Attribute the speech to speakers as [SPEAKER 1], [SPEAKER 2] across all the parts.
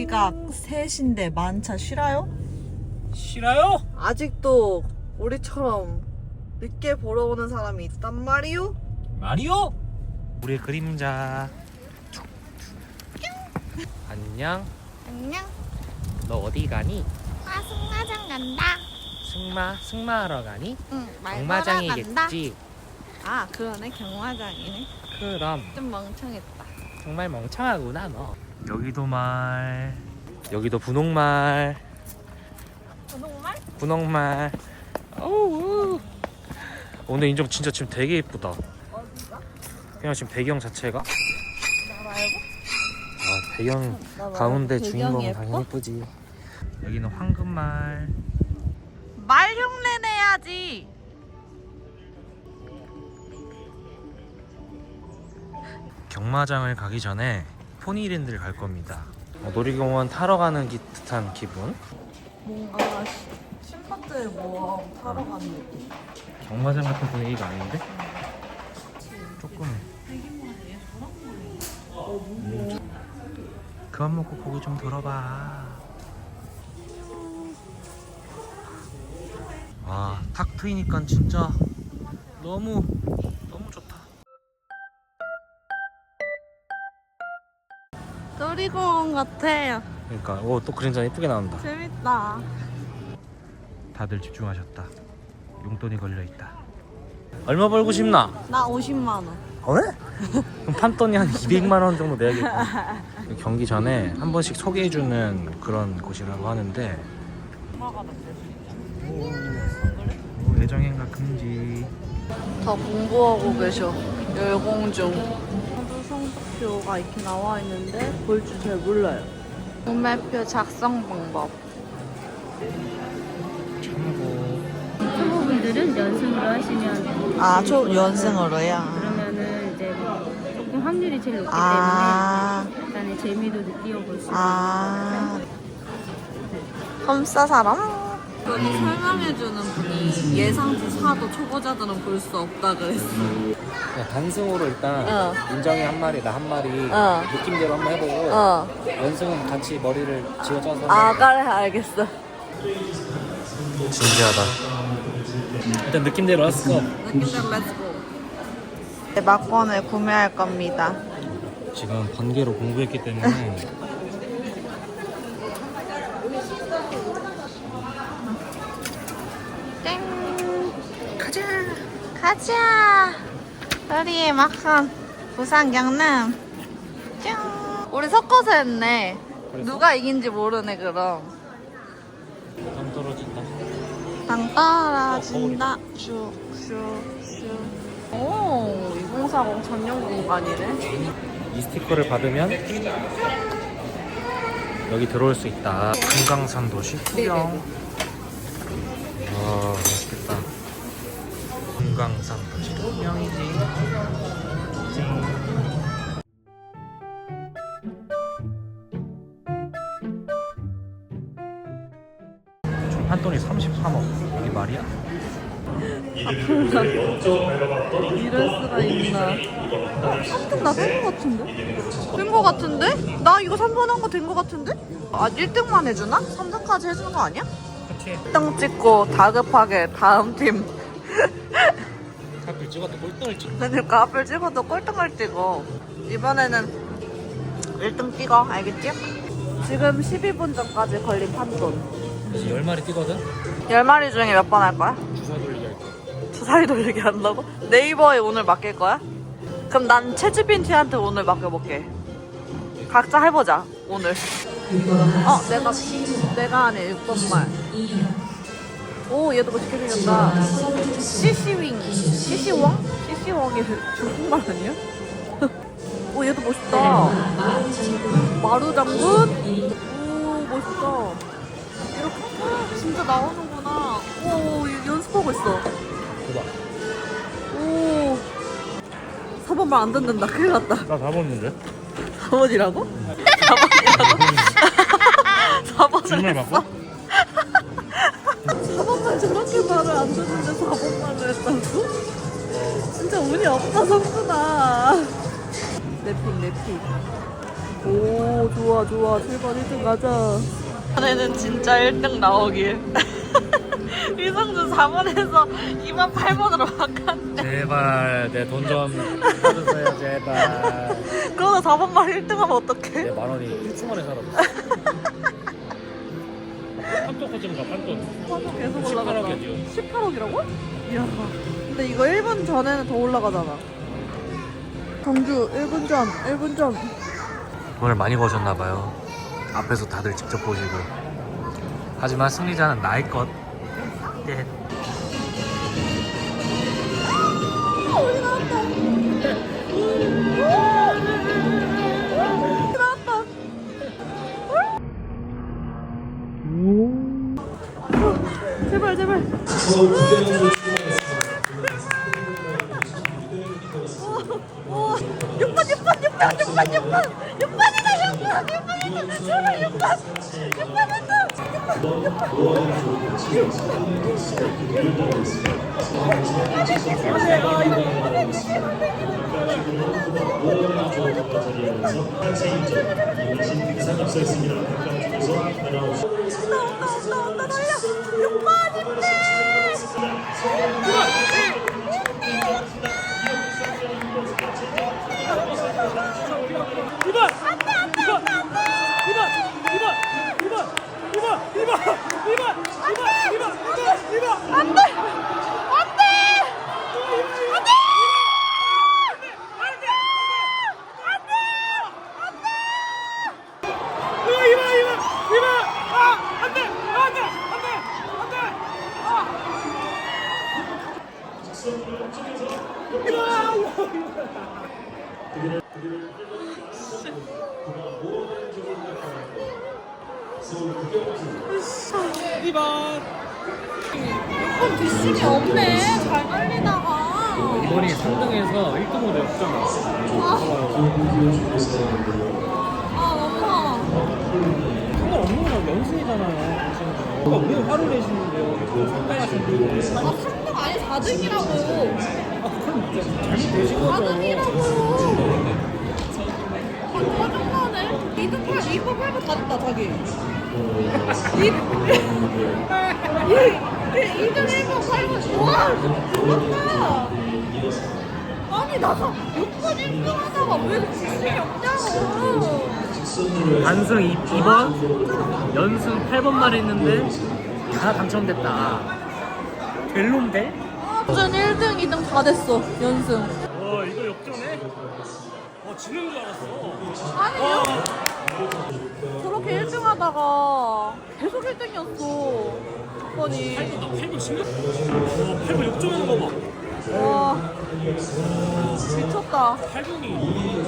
[SPEAKER 1] 시각 3시인데 만차 싫어요?
[SPEAKER 2] 싫어요?
[SPEAKER 1] 아직도 우리처럼 늦게 보러 오는 사람이 있단 말이요?
[SPEAKER 2] 마리오? 우리의 그림자. 안녕.
[SPEAKER 3] 안녕.
[SPEAKER 2] 너 어디 가니?
[SPEAKER 3] 승마장 간다.
[SPEAKER 2] 승마하러 가니?
[SPEAKER 3] 응, 말 걸어 간다.
[SPEAKER 2] 경마장이겠지.
[SPEAKER 3] 아, 그러네. 경마장이네.
[SPEAKER 2] 그럼
[SPEAKER 3] 좀 멍청했다.
[SPEAKER 2] 정말 멍청하구나 너. 여기도 말. 여기도 분홍말.
[SPEAKER 3] 분홍말?
[SPEAKER 2] 분홍말. 어우. 오늘 인정 진짜 지금 되게 예쁘다.
[SPEAKER 3] 어디가?
[SPEAKER 2] 그냥 지금 배경 자체가.
[SPEAKER 3] 나 말고?
[SPEAKER 2] 아 배경
[SPEAKER 3] 나 말고?
[SPEAKER 2] 가운데
[SPEAKER 3] 배경이
[SPEAKER 2] 주인공
[SPEAKER 3] 예뻐?
[SPEAKER 2] 당연히 예쁘지. 여기는 황금말.
[SPEAKER 1] 말 흉내 내야지.
[SPEAKER 2] 경마장을 가기 전에 포니랜드를 갈 겁니다. 놀이공원 타러 가는 듯한 기분.
[SPEAKER 1] 뭔가 신밧드의 모험 타러 가는 느낌.
[SPEAKER 2] 경마장 같은 분위기가 아닌데? 조금. 그만 먹고 고기 좀 들어봐. 와, 탁 트이니까 진짜 너무 좋다.
[SPEAKER 1] 놀이공원 같아요.
[SPEAKER 2] 그러니까 또 그림자 예쁘게 나온다.
[SPEAKER 1] 재밌다.
[SPEAKER 2] 다들 집중하셨다. 용돈이 걸려 있다. 얼마 벌고 싶나?
[SPEAKER 1] 나 50만 원.
[SPEAKER 2] 네? 그럼 판돈이 한 200만 원 정도 내야겠다. 경기 전에 한 번씩 소개해주는 그런 곳이라고 하는데. 예정행가 금지.
[SPEAKER 1] 다 공부하고 계셔. 열공중. 서류 성적표가 이렇게 나와 있는데 볼 줄 잘 몰라요. 구매표 작성 방법.
[SPEAKER 2] 참고.
[SPEAKER 4] 초보분들은 연승으로 하시면
[SPEAKER 1] 아, 연승으로요?
[SPEAKER 4] 그러면은 이제 조금 확률이 제일 높기
[SPEAKER 1] 아,
[SPEAKER 4] 때문에 약간의 재미도 느껴볼 수 있어요.
[SPEAKER 1] 아. 험싸 사람? 여기 설명해주는 분이 예상치 4도 초보자들은 볼 수 없다 그랬어.
[SPEAKER 2] 단승으로 일단 인정이 한 마리, 나 한 마리 느낌대로 한번 해보고 연승은 같이 머리를 쥐어짜서.
[SPEAKER 1] 아, 그래, 알겠어.
[SPEAKER 2] 진지하다. 일단 느낌대로 렛츠고.
[SPEAKER 1] 느낌대로 렛츠고. 막권을 구매할 겁니다.
[SPEAKER 2] 지금 번개로 공부했기 때문에
[SPEAKER 1] 땡! 가자! 우리의 막판 부산 경남. 짠! 우리 섞어서 했네.
[SPEAKER 2] 그래서?
[SPEAKER 1] 누가 이긴지 모르네, 그럼.
[SPEAKER 2] 당 떨어진다.
[SPEAKER 1] 당 떨어진다. 슉슉슉. 오, 2040 전용 공간이네.
[SPEAKER 2] 이 스티커를 받으면 여기 들어올 수 있다. 금강산 도시 구경. 와 맛있겠다. 금강산 도시 구경이지. 총 한돈이 33억. 이게 말이야?
[SPEAKER 1] 이럴 수가 있나. 3등 나 된 거 같은데? 된 거 같은데? 나 이거 3번 한 거 된 거 같은데? 아, 1등만 해주나? 3등까지 해주는 거 아니야?
[SPEAKER 2] 그치.
[SPEAKER 1] 1등 찍고 다급하게 다음 팀.
[SPEAKER 2] 하필 찍어도 꼴등을 찍.
[SPEAKER 1] 그러니까 앞을 찍어도 꼴등을 찍어. 이번에는 1등 찍어. 알겠지? 지금 12분 전까지 걸린 판돈.
[SPEAKER 2] 이제 10마리 뛰거든?
[SPEAKER 1] 10마리 중에 몇 번 할 거야?
[SPEAKER 2] 주사 돌리기 할 거야.
[SPEAKER 1] 주사위 돌리기 한다고? 네이버에 오늘 맡길 거야? 그럼 난 채찌빈티한테 오늘 맡겨볼게. 각자 해보자, 오늘. 내가 하네, 6번말. 오, 얘도 멋있게 생겼다. CC윙. CC웡? CC웡이 중국말 아니야? 오, 얘도 멋있다. 마루장군? 오, 멋있다. 이렇게 진짜 나오는구나. 오, 연습하고 있어.
[SPEAKER 2] 봐봐.
[SPEAKER 1] 오, 4번말 안 듣는다. 큰일 났다.
[SPEAKER 2] 나 다 먹는데?
[SPEAKER 1] 4번이라고? 4번이라고? 4번을
[SPEAKER 2] 정말
[SPEAKER 1] 했어?
[SPEAKER 2] 바꿔?
[SPEAKER 1] 4번만 저렇게 말을 안 듣는데 4번말을 했다고? 진짜 운이 없다, 성준아. 랩핑. 오 좋아 좋아. 7번 1등 가자. 이번에는 진짜 1등 나오길. 이성준 4번에서 2번 8번으로 바꿨네.
[SPEAKER 2] 제발 내 돈 좀 받으세요 제발.
[SPEAKER 1] 그러다 4번만 1등 하면 어떡해?
[SPEAKER 2] 내 만원이 1층 안에 살아. 판돈까지는 가 판돈.
[SPEAKER 1] 계속 올라가다.
[SPEAKER 2] 18억이야
[SPEAKER 1] 18억이라고? 이야. 근데 이거 1분 전에는 더 올라가잖아. 경주 1분 전, 1분 전.
[SPEAKER 2] 돈을 많이 버셨나봐요. 앞에서 다들 직접 보시고. 하지만 승리자는 나의 것. 예.
[SPEAKER 1] 나왔다. 제발 제발. 2번. 뒷심이 없네. 잘 달리다가.
[SPEAKER 2] 이번이 3등에서 1등으로 역전 왔어.
[SPEAKER 1] 아,
[SPEAKER 2] 상관없는 거랑 연승이잖아요. 왜 화를 내시는데요? 상당하신데.
[SPEAKER 1] 3등 아니 4등이라고.
[SPEAKER 2] 그럼 진짜 잘못되신 거죠.
[SPEAKER 1] 4등이라고. 짜증나네. 2등 8, 2번 8번 다 됐다, 자기. 2등 1번 8번. 와, 죽었다. 아니, 나 6번 1등 하다가 왜 뒷심이 없냐고.
[SPEAKER 2] 단승 2번, 연승 8번만 했는데 다 당첨됐다. 벨론데?
[SPEAKER 1] 연승 1등, 2등 다 됐어, 연승.
[SPEAKER 2] 와 이거 역전해? 지는 줄 알았어.
[SPEAKER 1] 아니요. 저렇게 1등 하다가 계속 1등이었어. 아니.
[SPEAKER 2] 8번 진짜? 8번 역전하는 거 봐.
[SPEAKER 1] 와. 미쳤다.
[SPEAKER 2] 8번이.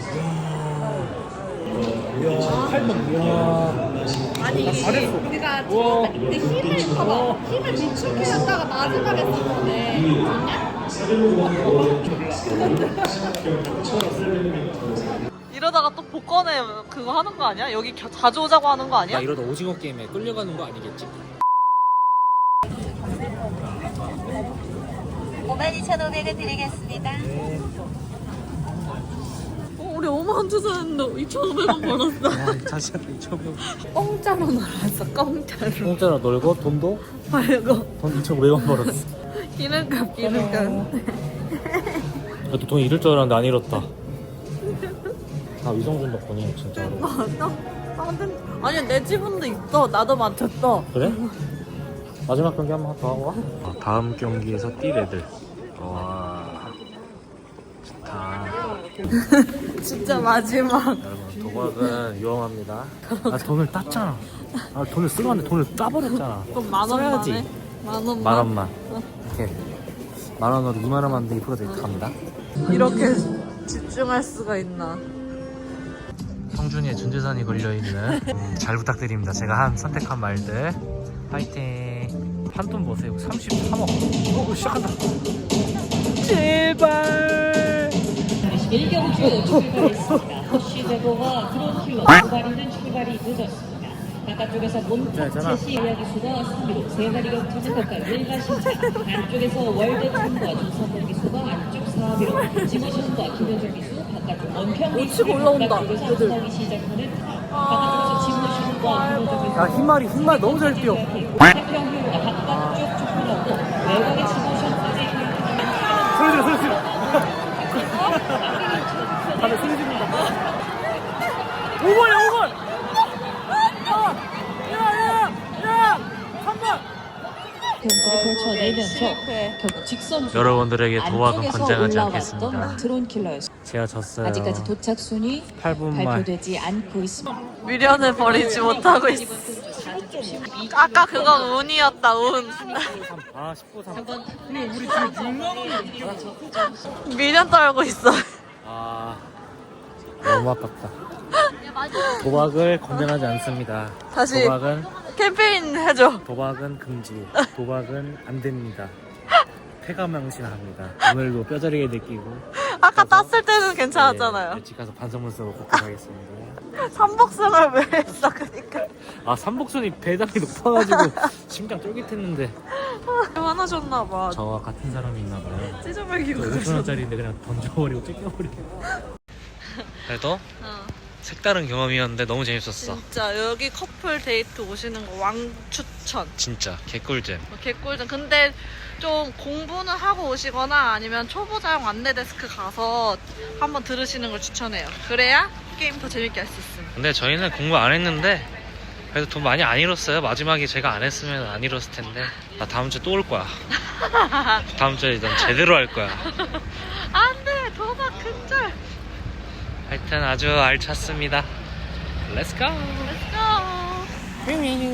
[SPEAKER 2] 이야 8번. 이야.
[SPEAKER 1] 아니,
[SPEAKER 2] 잘했어.
[SPEAKER 1] 우리가 처음에 근데 힘을 봐봐. 힘을 비축해놨다가 마지막에 쓴 거네. 이러다가 또 복권에 그거 하는 거 아니야? 여기 자주 오자고 하는 거 아니야?
[SPEAKER 2] 야 이러다 오징어 게임에 끌려가는 거 아니겠지?
[SPEAKER 3] 52,500원 드리겠습니다.
[SPEAKER 1] 우리 5만 투자했는데 2,500원 벌었어.
[SPEAKER 2] 야 다시 한번 2,500원.
[SPEAKER 1] 공짜로 놀았어, 공짜로.
[SPEAKER 2] 공짜로 놀고 돈도?
[SPEAKER 1] 말고.
[SPEAKER 2] 돈 2,500원 벌었어.
[SPEAKER 1] 기름값, 기름값.
[SPEAKER 2] 그래도 돈 잃을 줄 알았는데 안 잃었다. 다 위성준 덕분이야 진짜로.
[SPEAKER 1] 맞아? 아니, 내 지분도 있어. 나도 맞췄어.
[SPEAKER 2] 그래? 마지막 경기 한번 더 하고 와. 다음 경기에서 뛸 애들. 와 좋다.
[SPEAKER 1] 진짜 마지막.
[SPEAKER 2] 여러분 도박은 위험합니다. 아 돈을 땄잖아. 아 돈을 쓰고 왔는데 돈을 따버렸잖아.
[SPEAKER 1] 그럼 만 원만
[SPEAKER 2] 써야지.
[SPEAKER 1] 해? 만 원만?
[SPEAKER 2] 만 원만. 이렇게 만 원으로 2만 원만 더 2% 갑니다.
[SPEAKER 1] 이렇게 집중할 수가 있나?
[SPEAKER 2] 성준이의 준재산이 걸려있는 잘 부탁드립니다. 제가 선택한 말들 파이팅. 판돈 보세요. 33억. 오 시작한다. 제발.
[SPEAKER 5] 1경주에 출발했습니다. 허쉬 제보가 들어온 킬로 출발이는 출발이 늦었습니다. 바깥쪽에서 몬탁 제시 이야기수가 3위로 세마리 격투는 각각 1가 신차 안쪽에서 월드팀과 조선범 기수가 안쪽 4위로 지모션과 김현정 기수 바깥쪽 원평
[SPEAKER 1] 치고 올라온다,
[SPEAKER 5] 바깥쪽에서
[SPEAKER 1] 애들.
[SPEAKER 5] 안성이 시작하는 바깥쪽에서 지모션과 김현정 기수
[SPEAKER 2] 야 흰말이 너무 잘 뛰어.
[SPEAKER 5] 태평효가 바깥쪽 좁혀놓고 외곽의 지모션까지
[SPEAKER 2] 소리 질러. 다들 소리 지른다. 5번이야 5번.
[SPEAKER 5] 경기를 펼쳐내면서 결국 직선
[SPEAKER 2] 여러분들에게 도박은
[SPEAKER 5] 안쪽에서
[SPEAKER 2] 권장하지
[SPEAKER 5] 올라왔던
[SPEAKER 2] 않겠습니다.
[SPEAKER 5] 드론 킬러였습니다.
[SPEAKER 2] 제가 졌어요.
[SPEAKER 5] 아직까지 도착 순위
[SPEAKER 2] 8분 말.
[SPEAKER 5] 발표되지 않고 있습니다.
[SPEAKER 1] 미련을 버리지 못하고 있어. 아까 그건 운이었다, 운.
[SPEAKER 2] 아 19, 3.
[SPEAKER 1] 미련 떨고 있어.
[SPEAKER 2] 아 너무 아깝다. 도박을 권장하지 않습니다.
[SPEAKER 1] 다시
[SPEAKER 2] 도박은
[SPEAKER 1] 캠페인 해줘.
[SPEAKER 2] 금지. 도박은 안 됩니다. 폐가망신합니다. 오늘도 뼈저리게 느끼고.
[SPEAKER 1] 아까 땄을 때는 괜찮았잖아요.
[SPEAKER 2] 집 가서 반성문 쓰고 복귀하겠습니다.
[SPEAKER 1] 삼복승을 왜 했어, 그니까.
[SPEAKER 2] 아 삼복순이 배당이 높아가지고 심장 쫄깃했는데.
[SPEAKER 1] 화나셨나봐.
[SPEAKER 2] 저와 같은 사람이 있나봐요.
[SPEAKER 1] 찢어버리고
[SPEAKER 2] 5천원짜리인데 그냥 던져버리고 찢겨버리고. 그래도 색다른 경험이었는데 너무 재밌었어.
[SPEAKER 1] 진짜 여기 커플 데이트 오시는 거 왕추천.
[SPEAKER 2] 진짜 개꿀잼.
[SPEAKER 1] 개꿀잼. 근데 좀 공부는 하고 오시거나 아니면 초보자용 안내 데스크 가서 한번 들으시는 걸 추천해요. 그래야 게임 더 재밌게 할 수 있음.
[SPEAKER 2] 근데 저희는 공부 안 했는데 그래도 돈 많이 안 잃었어요. 마지막에 제가 안 했으면 안 잃었을 텐데. 나 다음 주에 또 올 거야. 다음 주에 난 제대로 할 거야.
[SPEAKER 1] 안 돼! 도박 근절!
[SPEAKER 2] 하여튼 아주 알찼습니다. Let's go.
[SPEAKER 1] Let's go!